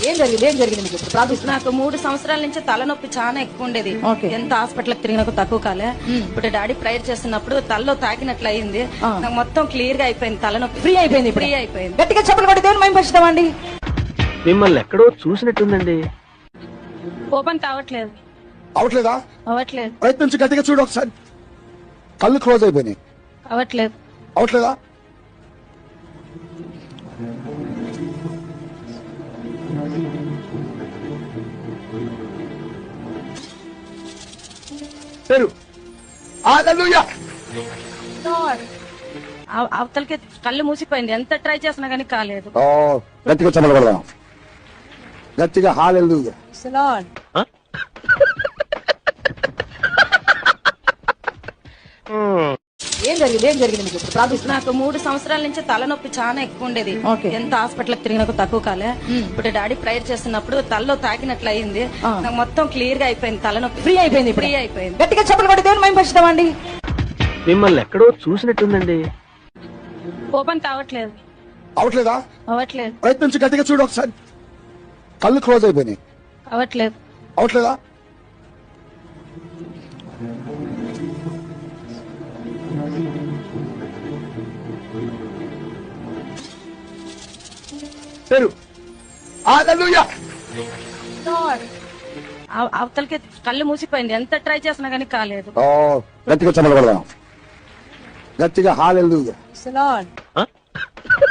ఏం జరిగింది మీకు ఇప్పుడు ప్రార్థిస్తున్నా? నాకు 3 సంవత్సరాల నుంచి తలనొప్పి చాలా ఎక్కువ ఉండేది. ఎంత హాస్పిటల్ తిరిగినా తక్కువ కాలే. ఇప్పుడు డాడీ ప్రేయర్ చేస్తున్నప్పుడు తలలో తాకినట్లు అయింది. నాకు మొత్తం క్లియర్ గా అయిపోయింది, తలనొప్పి ఫ్రీ అయిపోయింది. ఫ్రీ అయిపోయింది. గట్టిగా చెప్పలు కొట్టి దేవుని మహిమ పరుస్తామండి. మిమ్మల్ని ఎక్కడో చూసినట్టుందండి. ఓపెన్ కావట్లేదు. అవట్లేదా? అవ్వట్లేదు. ప్రయత్నించి గట్టిగా చూడు ఒకసారి. కళ్ళు క్లోజ్ అయిపోయినాయి. అవ్వట్లేదు. అవట్లేదా? పేరు హల్లెలూయా. అవతలకి కళ్ళు మూసిపోయింది, ఎంత ట్రై చేసినా గానీ కాలేదు. గట్టిగా చమలబడదాం, గట్టిగా హల్లెలూయా. ఏం జరిగింది మీకు ఇప్పుడు ప్రార్థిస్తున్నా? నాకు 3 సంవత్సరాల నుంచి తలనొప్పి చాలా ఎక్కువ ఉండేది. ఎంత హాస్పిటల్ తిరిగినా తక్కువ కాలే. ఇప్పుడు డాడీ ప్రేయర్ చేస్తున్నప్పుడు తలలో తాకినట్లు అయింది. నాకు మొత్తం క్లియర్ గా అయిపోయింది, తలనొప్పి ఫ్రీ అయిపోయింది. ఫ్రీ అయిపోయింది. గట్టిగా చెప్పలు కొట్టి దేవుని మహిమ పరుస్తామండి. మిమ్మల్ని ఎక్కడో చూసినట్టుందండి. ఓపెన్ కావట్లేదు. అవట్లేదా? అవ్వట్లేదు. ప్రయత్నించి గట్టిగా చూడు ఒకసారి. కళ్ళు క్లోజ్ అయిపోయినాయి. అవ్వట్లేదు. అవట్లేదా? పేరు హల్లెలూయా. అవతలకి కళ్ళు మూసిపోయింది, ఎంత ట్రై చేసినా గానీ కాలేదు. గట్టిగా చమలబడదాం, గట్టిగా హల్లెలూయా.